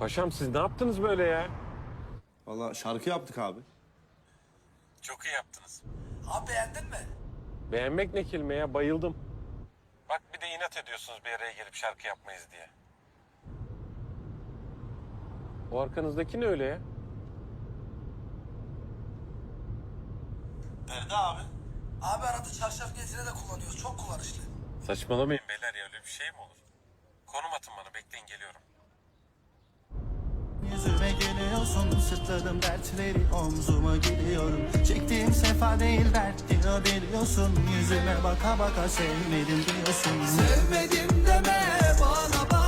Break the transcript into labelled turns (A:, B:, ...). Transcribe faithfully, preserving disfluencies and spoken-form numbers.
A: Paşam siz ne yaptınız böyle ya?
B: Vallahi şarkı yaptık abi.
A: Çok iyi yaptınız.
C: Abi beğendin mi?
A: Beğenmek ne kelime ya, bayıldım. Bak bir de inat ediyorsunuz bir araya gelip şarkı yapmayız diye. O arkanızdaki ne öyle ya?
B: Nerede abi?
C: Abi arada çarşaf gezine de kullanıyoruz. Çok kullanışlı.
A: Saçmalamayın beyler ya, öyle bir şey mi olur? Konum atın bana, bekleyin geliyorum.
D: Yüzüme geliyorsun, sırtladım dertleri omzuma gidiyorum. Çektiğim sefa değil dert diyor biliyorsun. Yüzüme baka baka sevmedim diyorsun.
C: Sevmedim deme bana bak.